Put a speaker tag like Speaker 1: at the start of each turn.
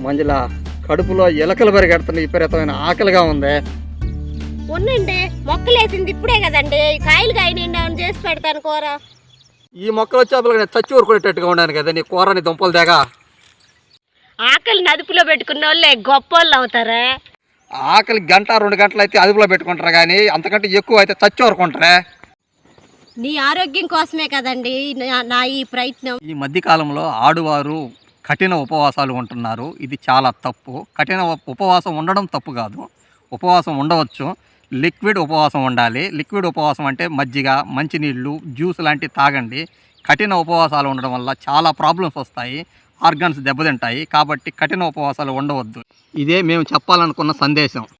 Speaker 1: మంజుల కడుపులో ఎలకలు పరిగెడుతున్నాయి, విపరీతమైన ఆకలిగా ఉంది.
Speaker 2: ఉండండి, మొక్కలేసింది ఇప్పుడే కదండి, కాయలు కాయనండి అవును చేసి పెడతాను కూర.
Speaker 1: ఈ మొక్కలు వచ్చేపలు చచ్చి ఊరుకునేటట్టుగా ఉన్నాను కదా నీ కూర, నీ దుంపలు దేగా.
Speaker 2: ఆకలి అదుపులో పెట్టుకున్న వాళ్ళే గొప్ప వాళ్ళు అవుతారా?
Speaker 1: ఆకలి గంట 2 గంటలు అయితే అదుపులో పెట్టుకుంటారు, కానీ అంతకంటే ఎక్కువ అయితే చచ్చి ఊరుకుంటారే.
Speaker 2: నీ ఆరోగ్యం కోసమే కదండి నా ఈ ప్రయత్నం.
Speaker 1: ఈ మధ్యకాలంలో ఆడువారు కఠిన ఉపవాసాలు ఉంటున్నారు. ఇది చాలా తప్పు. కఠిన ఉపవాసం ఉండడం తప్పు కాదు, ఉపవాసం ఉండవచ్చు. లిక్విడ్ ఉపవాసం ఉండాలి. లిక్విడ్ ఉపవాసం అంటే మజ్జిగ, మంచినీళ్ళు, జ్యూస్ లాంటివి తాగండి. కఠిన ఉపవాసాలు ఉండడం వల్ల చాలా ప్రాబ్లమ్స్ వస్తాయి, ఆర్గన్స్ దెబ్బతింటాయి. కాబట్టి కఠిన ఉపవాసాలు ఉండవద్దు. ఇదే మేము చెప్పాలనుకున్న సందేశం.